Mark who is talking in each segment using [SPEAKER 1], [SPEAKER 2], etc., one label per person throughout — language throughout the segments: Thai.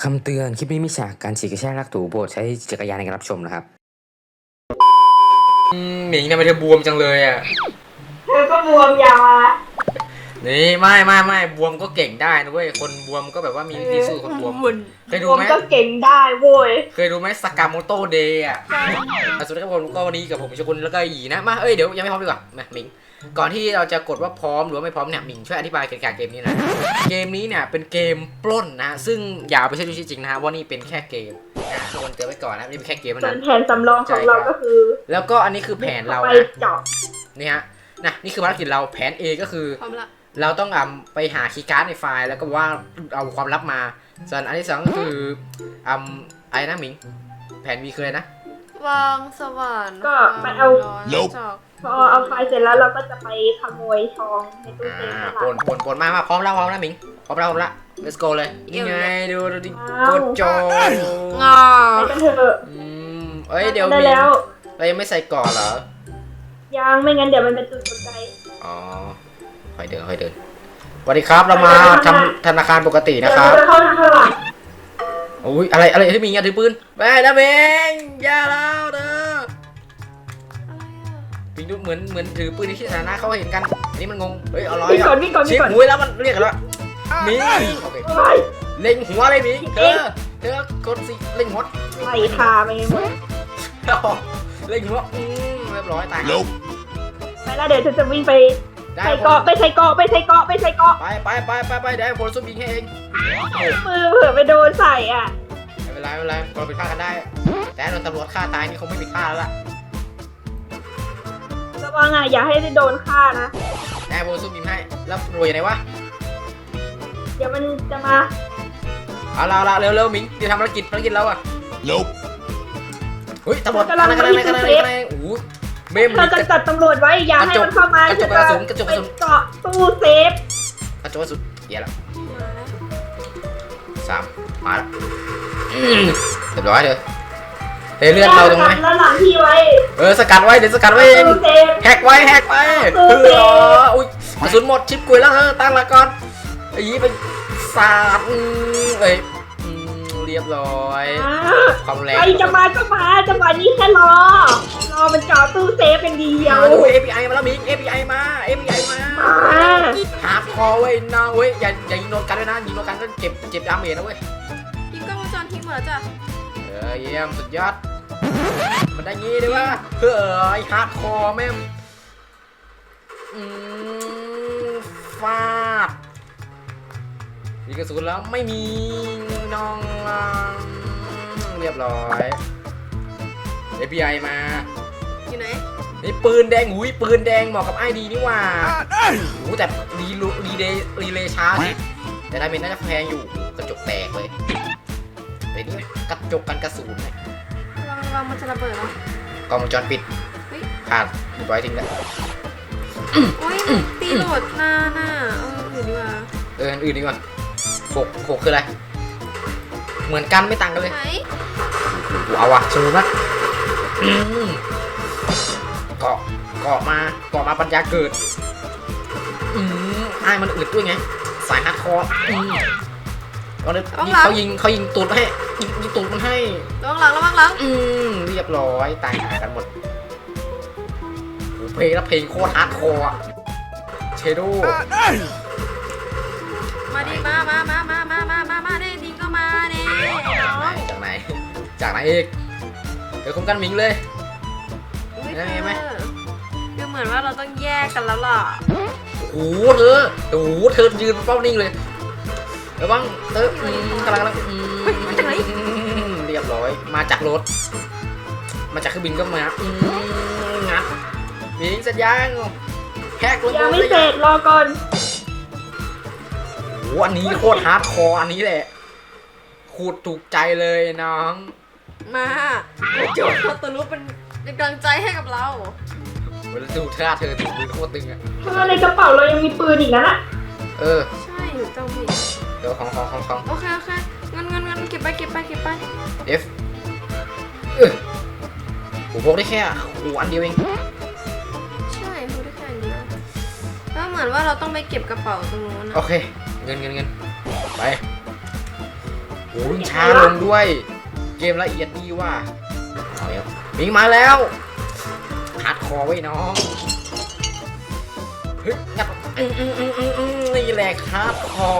[SPEAKER 1] คำเตือนคลิปนี้มีฉากการฉีกกระชากลากถูโปรดใช้จักรยานในการรับชมนะครับ
[SPEAKER 2] หมิงทำไมเธอบวมจังเลยอ่ะ
[SPEAKER 3] เธอก็บวมยาวะ
[SPEAKER 2] นี่ไม่บวมก็เก่งได้นะเว้ยคนบวมก็แบบว่ามีวิธีสู้คนบวมเคยดูไหม
[SPEAKER 3] ก็เก่งได้โว้ย
[SPEAKER 2] เคยดูไหมสกามโมโตเดย์อ่ะสวัสดีครับผมก็วันนี้กับผมชกุลแล้วก็อีนะมาเดี๋ยวยังไม่พร้อมดีกว่ามาหมิงก่อนที่เราจะกดว่าพร้อมหรือว่าไม่พร้อมเนี่ยหมิงช่วยอธิบายเกี่ยวกับเกมนี้หน่อยเกมนี้เนี่ยเป็นเกมปล้นนะซึ่งอย่าไปเชื่อดูจริงนะฮะว่านี่เป็นแค่เกมทุกคนเตือนไว้ก่อนนะนี่เป็นแค่เกมเท่านั้น
[SPEAKER 3] แผนสำรองของเราก็คือ
[SPEAKER 2] แล้วก็อันนี้คือแผนเรา
[SPEAKER 3] นะ
[SPEAKER 2] นี่ฮะนี่คือภารกิจเราแผน A ก็คือเราต้องไปหาคีย์การ์ดในไฟล์แล้วก็ว่าเอาความลับมาส่วนอันที่สองก็คืออะไรนะหมิงแผน B คืออะไรนะ
[SPEAKER 4] วางสว่าน
[SPEAKER 3] ก็ไปเอาพอเอาไฟล์เสร็จแล้วเราก็จะไปขโมยทองในตู้เซฟ
[SPEAKER 2] ปนมาพร้อมแล้วหมิงพร้อมแล้ว let's go เลยยังไงดูดิโคตรโจ
[SPEAKER 3] ไปกันเถอะ
[SPEAKER 2] เดี๋ยวมีเรายังไม่ใส่ก่อนเหรอ
[SPEAKER 3] ยังไม่งั้นเดี๋ยวมันเป็นจุดสนใจ
[SPEAKER 2] อ๋อค่อยเดินสวัสดีครับเรามาทำธนาคารปกตินะครับโอ้ยอะไรที่มีเงี้ยถือปืนไปนะเบงอย่าแล้วเด้อปิงดูเหมือนถือปืนในที่สาธารณะเขาเห็นกันนี่มันงงเฮ้ยเอาร้อยอ่ะเช็คหัวแล้วมันเรียกอะไรวะมีเล็งหัวเลยมีเธอกดสิเล็งหัว
[SPEAKER 3] ไล่ทาไปหมด
[SPEAKER 2] เล็งหัวเรียบร้อยตาย
[SPEAKER 3] ไปแล้วเดี๋ยวจะวิ่งไปใส่เกาะไปใส่เกาะไปได้
[SPEAKER 2] ผลซุ่มยิงให้เอง
[SPEAKER 3] มือเผื่อไปโดนใส่อ่ะ
[SPEAKER 2] ไม่เป็นไรเราผิดพลาดกันได้แต่โดนตำรวจฆ่าตายนี่คงไม่ผิดพลาดแล้วล่ะ
[SPEAKER 3] ระวังอ่ะอย่าให้ได้โดนฆ่านะ
[SPEAKER 2] ได้ผลซุ่มยิงให้แล้วรวยยังไงวะ
[SPEAKER 3] เดี๋ยวมันจะมา
[SPEAKER 2] เอาเร็วมิงจะทำภารกิจเราอ่ะเฮ้ยตำรวจกันโอ้เมม
[SPEAKER 3] เราจะจัดตำรวจไว้อย่าให้มันเข้ามาก
[SPEAKER 2] ระจกกระสุน
[SPEAKER 3] เกาะตู้เซฟ
[SPEAKER 2] กระจกกระสุนเดี๋ยวละ3มาแล้วเรียบร้อยเลยเลื่อนเราตรงไหน
[SPEAKER 3] แล้วหลังพี่ไว้
[SPEAKER 2] สกัดไว้เดี๋ยวสกัดไว้เองแฮกไว้อุ้ยกระสุนหมดชิปกุยแล้วตั้งละก่อนไอ้ยี่ไปสาดเรียบร้อยความแรง
[SPEAKER 3] ใครจะมาก็มาจังหวะนี้แค่รอมันเจาะตู้เซฟเป็นเดียว
[SPEAKER 2] ดู API มาแล้วมิง API มาหาคอเว้ยนะเว้ยอย่ายิงโดนกันด้วยนะยิงโดนกันก็เจ็บดาเมจนะเว้ย
[SPEAKER 4] ยิงกล้องวงจรทิ้งหมดแล้วจ้ะ
[SPEAKER 2] เยี่ยมสุดยอดมันได้งี้ด้วยวะฮาร์ดคอร์แม่งฟาดมีกระสุนแล้วไม่มีน้องเรียบร้อย API มา
[SPEAKER 4] อยู่ไหน
[SPEAKER 2] นี่ปืนแดงปืนแดงเหมาะกับไอดีนี่ว่าแต่รีเลย์ช้าแต่ดาเมจน่าจะแพงอยู่กระจกแตกเลยแต่นี่กระจกกันกระสุนเนี่ย
[SPEAKER 4] ระวังมันจะระเบิดเหร
[SPEAKER 2] อกล้องวงจรปิดขาดไว้ทิ้งแล้ว
[SPEAKER 4] โอ้ยตีโหลดหน้าอื่นดีกว่า
[SPEAKER 2] อื่นดีกว่า6คืออะไรเหมือนกันไม่ต่างกันเลยเอาว่ะชูนะเกาะมาปัญญาเกิดไอ้มันอึดด้วยไงสายฮาร์ดคอร์เขายิงตูดให้ยิงตูดมันให้
[SPEAKER 4] ระวังหลัง
[SPEAKER 2] เรียบร้อยตายหากันหมดเพลงโคตรฮาร์ดคอร์เชโด
[SPEAKER 4] มาดิมาดิดิก็มาดิ
[SPEAKER 2] จากไหนเอกเดี๋ยวคุ้มกันมิงเลย
[SPEAKER 4] ได้ไหมดูเหมือนว่าเราต้องแยกกันแล้วล่ะ
[SPEAKER 2] โอ้เธอยืนเป้านิ่งเลยแล้วบ้างกำลัง
[SPEAKER 4] มาจากไหน
[SPEAKER 2] เรียบร้อยมาจากรถมาจากเครื่องบินก็มางัดมิงสัญญาณแฮกรถ
[SPEAKER 3] ยังไม่เสร็จรอก่อน
[SPEAKER 2] อันนี้โคตรฮาร์ดคอร์อันนี้แหละขูดถูกใจเลยน้อง
[SPEAKER 4] มาโจทย์เขาตัวรู้เป็นกำลังใจให้กับเรา
[SPEAKER 2] เวลาดูท่าเธอถือปืนโคตรตึงอ่ะ
[SPEAKER 3] ในกระเป๋าเรายังมีปืนอีกนะ
[SPEAKER 4] ใช่เจ้าพี่
[SPEAKER 2] เดี๋ยวของ
[SPEAKER 4] โอเคงั้นเก็บไป
[SPEAKER 2] F ผมพกได้แค่อันเดียวเอง
[SPEAKER 4] ใช่พกได้แค่อันเดียวแล้วเหมือนว่าเราต้องไปเก็บกระเป๋าตรงนู้น
[SPEAKER 2] โอเคเงินไปโอ้ยช้าลงด้วย เกมละเอียดดีว่ะเอาแล้วมิงมาแล้วฮาร์ดคอร์ไว้น้องเฮ้ยงับนี่แหละครับคอ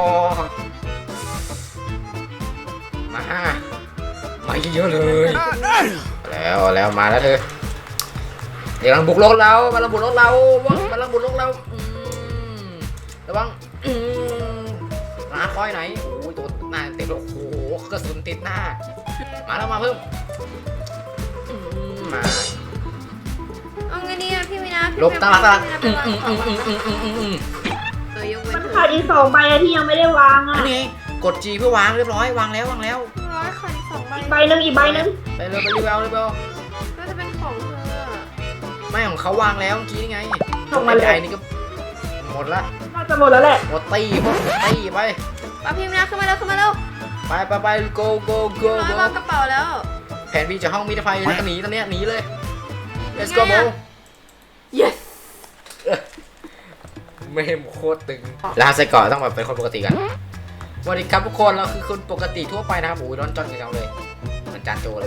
[SPEAKER 2] มาเยอะๆเลยแล้วมาแล้วเธอเดี๋ยวกำลังบุกรถเรามาลังบุกรถเรามาลังบุกรถเราระวังหาคอยไหนโอ้ยตัวหน้าเต็มเลยโอ้โหกระสุนติดหน้ามาแล้วมาเพิ่มมา
[SPEAKER 4] เอาไงดีอะพี่วินา
[SPEAKER 2] ลบตาลัก
[SPEAKER 4] ยกเว้
[SPEAKER 3] มัน นขาดอีก2 ใบที่ยังไม่ได้วางอ่ะ
[SPEAKER 2] อันนี้กด G เพื่อวางเรียบร้อยวางแล้ว
[SPEAKER 4] ร้อยขาดอีก2 ใบ
[SPEAKER 3] อีกใบหนึง
[SPEAKER 2] ไปเร็วไปรีวิว
[SPEAKER 4] ก็จะเป็นของเธอ
[SPEAKER 2] ไม่ของเขาวางแล้วเมื่อกี้นี่ไง
[SPEAKER 3] ส่งมาเลย
[SPEAKER 2] ไอ้นี่ก็หมดละ
[SPEAKER 3] น่าจะหมดแล้วแหละ
[SPEAKER 2] หมดตีพวกตีไป
[SPEAKER 4] ป้าพี่วินาขึ้นมาเร็ว
[SPEAKER 2] ไป go
[SPEAKER 4] ร้อยเรากระเป๋าแล้ว
[SPEAKER 2] แผนพี่จะห้องมิตรภัยแล้วก็หนีตอนเนี้ยหนีเลย let's go bro
[SPEAKER 4] yes
[SPEAKER 2] ไม่โคตรตึงแล้วใส่เกาะต้องแบบเป็นคนปกติกันสวัสดีครับทุกคนเราคือคนปกติทั่วไปนะครับโอ้ยร้อนจอนกันจังเลยเหมือนจานโจเลย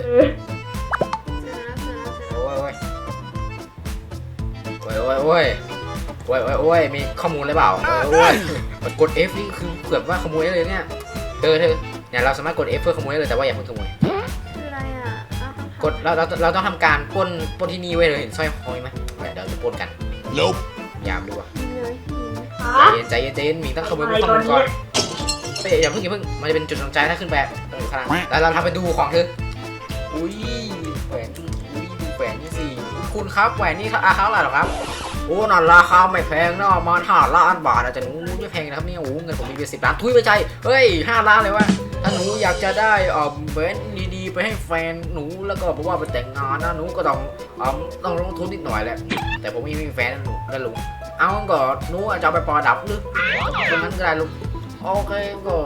[SPEAKER 2] โอ้ยมีข้อมูลหรือเปล่าโอ้ยกด F นี่คือเกือบว่าขโมยเลยเนี่ยเธอเนี่ยเราสามารถกด F เพื่อขโมยเลยแต่ว่าอย่าเพิ่งขโมย
[SPEAKER 4] คืออะไรอ่ะ
[SPEAKER 2] กดเราต้องทำการปล้นที่นี่ไว้เลยเห็นสร้อยคอยไหมเดี๋ยวจะปล้นกันยามดูว่ะ ใจเย็นมีต้องขโมยข้อมูลก่อนอย่าเพิ่งมันจะเป็นจุดสนใจถ้าขึ้นแบบข้างแล้วเราทำไปดูของเธออุ้ยแหวนดูแหวนนี่สิคุณครับแหวนนี่ราคาเท่าไหร่หรอครับโอ้นั่นราคาไม่แพงนะมา5 ล้านบาทอาจจะหนูไม่แพงนะครับเนี่ยโอ้เงินผมมีเป็น10 ล้านทุยไม่ใช่เฮ้ย5 ล้านเลยวะถ้าหนูอยากจะได้แหวนดีๆไปให้แฟนหนูแล้วก็บอกว่าไปแต่งงานนะหนูก็ต้องลงทุนนิดหน่อยแหละแต่ผมไม่มีแฟนนะหนูนะลุงเอาก็หนูจะเอาไปปอดับหรือตรงนั้นก็ได้ลุงโอเค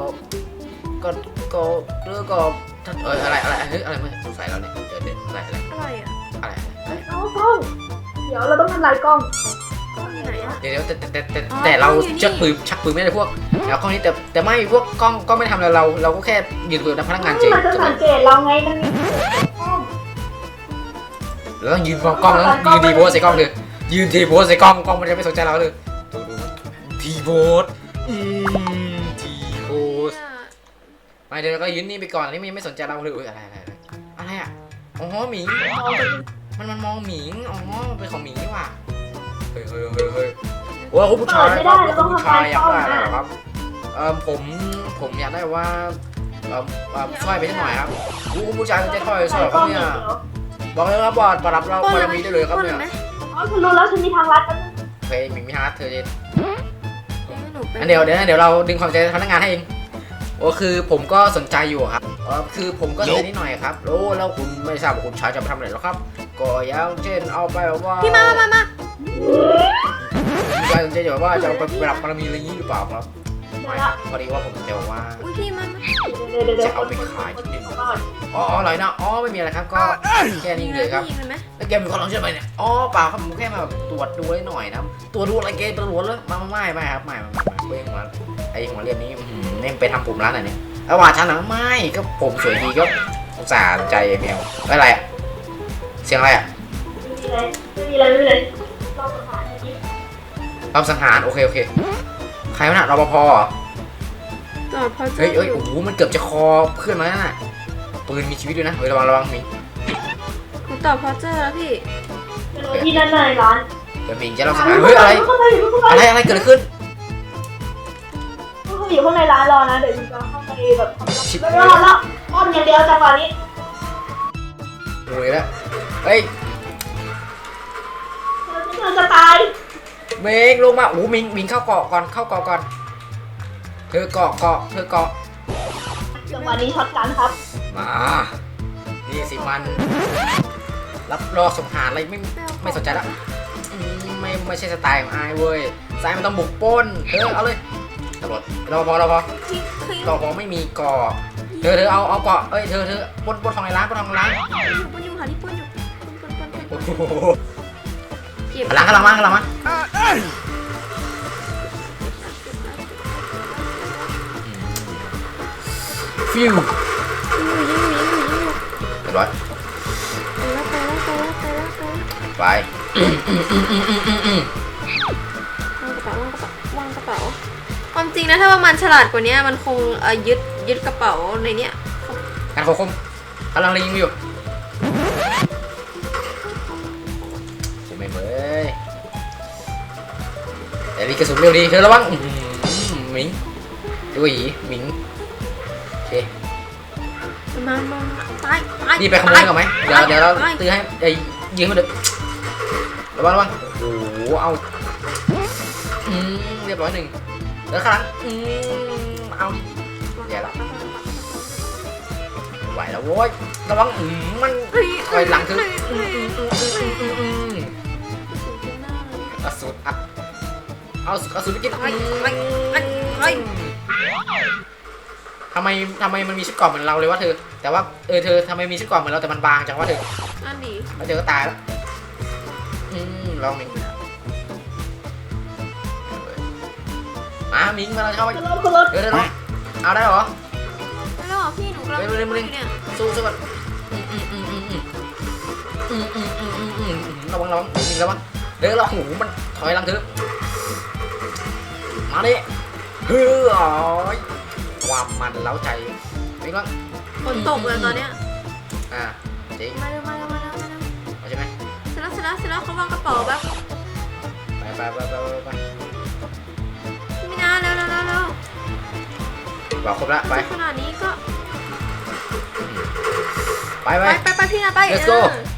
[SPEAKER 2] ก็เรื่องก็อะไรเฮ้ยอะไรไม่สงสัยเราเนี่ยเดี๋ยวอะไร
[SPEAKER 3] เดี๋ยวเราต้องทำลายกล้อง
[SPEAKER 4] ที่ไหนอ่ะ
[SPEAKER 2] เดี๋ยวแต่เราชักปืนไม่ได้พวกแล้วกล้องนี้แต่ไม่พวกกล้องก็ไม่ทำอะไรเราก็แค่ยืนคุยกับพนักงานเฉย
[SPEAKER 3] มันจะสังเกตเราไงมันมีกล้อง
[SPEAKER 2] เราต้องยืนมองกล้องแล้วยืนทีโพสใส่กล้องเลยยืนทีโพสใส่กล้องมันจะไม่สนใจเราเลยดูทีโพสทีโพสไปเดี๋ยวเราก็ยืนนี่ไปก่อนนี่มันยังไม่สนใจเราเลยอะไรอ่ะอ๋อหมิงมันมองหมิงอ๋อเป็นของหมิงนี่หว่าเฮ้ยว่าคุณผู้ชายครับคุณผู้ชายอยากได้อะไรครับผมอยากได้ว่าสร้อยไปสักหน่อยครับคุณผู้ชายจะสร้อยครับเนี่ยบอกเลยครับว่าประดับเราบารมีได้เลยครับเนี่ย
[SPEAKER 3] อ๋อฉันรู้แล้วฉันมีทางลัดกัน
[SPEAKER 2] โอเคหมิงมีฮาร์ดเธอเจนเดี๋ยวเราดึงความใจพนักงานให้เองโอ้คือผมก็สนใจอยู่ครับคือผมก็สนใจนิดหน่อยครับแล้วคุณไม่ทราบว่าคุณชายจะไปทำอะไรหรอครับก็อย่างเช่นเอาไปแบบว่า
[SPEAKER 4] พี่มา
[SPEAKER 2] คุณชายสนใจแบบว่าจะเอาไปประดับบารมีอะไรนี้หรือเปล่าครับไม่พอดีว่าผมจะบอกว่าจะเอาไปขายที่นี่อะไรนะไม่มีอะไรครับก็แค่นี้เลยครับแล้วแกมีความร้อนใช่ไหมเนี่ยเปล่าครับผมแค่มาแบบตรวจดูหน่อยนะตรวจดูอะไรเกมตรวจเลยไม่ครับไม่เว้ยมาไอ้หัวเรียนนี้เนี่ยไปทำผมร้านไหนเนี่ยแล้วว่าฉันนะไม่ก็ผมสวยดีก็อุตส่าห์ใจแมวอะไรอ่ะเสียงอะไรอ่ะ
[SPEAKER 3] ไม่มีอะไร
[SPEAKER 2] รอบสังหารโอเคใครวะน่ะรปภเฮ้ยโอ้โหมันเกือบจะคอเพื่อนมาแล้วน่ะปืนมีชีวิตด้วยนะเฮ้ยระวังมิง
[SPEAKER 4] ผมตอบพอเจอแล้วพี่
[SPEAKER 3] ที่นั่นเลยร้าน
[SPEAKER 2] เดี๋ยวมิงจะรอบสังหารเฮ้ยอะไรเกิดขึ้น
[SPEAKER 3] ก็คืออยู่ข้างในร้านรอนะเดี๋ยวจะเข้าไปแบบไม่รอแล้วอ้อมอย่างเดียวจังหวะนี้
[SPEAKER 2] โอ้ยแล้วเฮ้ย
[SPEAKER 3] เราจะตาย
[SPEAKER 2] เมงลงมาโอ้มิงเข้าเกาะก่อนเธอเกาะ
[SPEAKER 3] จังหวะนี้ช็อตกันครับ
[SPEAKER 2] มานี่สิมันรับรอสังหารอะไรไม่สนใจแล้วไม่ใช่สไตล์ของไอ้เว้ยสายมันต้องบุกป้นเอาเลยตำรวจรอพอไม่มีเกาะเธอเอาเกาะเธอปนทองในร้านปนทองในร้าน
[SPEAKER 4] ปนอยู่ค่ะที่ปนอยู่
[SPEAKER 2] ข้างหลังมาฟิวรียบร้อย
[SPEAKER 4] ไปแล้ว
[SPEAKER 2] ไป
[SPEAKER 4] วางกระเป๋าความจริงนะถ้าว่ามันฉลาดกว่านี้มันคงยึดกระเป๋าในเนี้ย
[SPEAKER 2] การโคมกำลังยิงอยู่ใช่ไหมเว้ยแต่นี่กระสุนเร็วดีเธอระวังหมิงดูหยีหมิงโอเค
[SPEAKER 4] มาไป
[SPEAKER 2] นี่ไปขโมยก่อนไหมเดี๋ยวเราตื้อให้ยิงมันเถอะระวังโอ้โหเอาเรียบร้อยหนึ่งแล้วข้างหลังเอาแย่ละไหวแล้วโว้ยระวังมันถอยหลังคือกระสุนอัดเอากระสุนไปกินทำไมมันมีชุดเกราะเหมือนเราเลยวะเธอแต่ว่าเธอทำไมมีชุดเกราะเหมือนเราแต่มันบางจังวะเธอ
[SPEAKER 4] นั่นดี
[SPEAKER 2] แล้วเธอก็ตายแล้วลองมิงมามิงมาเราเข้าไป
[SPEAKER 3] ขึ้นรถ
[SPEAKER 2] เดี๋ยวเอาได้เหรอ
[SPEAKER 4] แล้วเหรอพี่หนูกำลังเนี่ย
[SPEAKER 2] สู้ก่อนระวังมิงระวังเดี๋ยวเราหูมันถอยหลังเธอมาดิความมันเล้าใจมิงบ้าง
[SPEAKER 4] ฝนตกเลยตอนเนี้ย
[SPEAKER 2] จริง
[SPEAKER 4] มาเร็ว
[SPEAKER 2] เอาใช่ไหม
[SPEAKER 4] เสร็จแล้วเขาวางกระเป๋าแบบ
[SPEAKER 2] ไป
[SPEAKER 4] ไม่น่าเร็ว
[SPEAKER 2] บอกครบแล้วไป
[SPEAKER 4] ขนาดนี้ก็
[SPEAKER 2] ไป
[SPEAKER 4] ไปพี่นะไป
[SPEAKER 2] let's go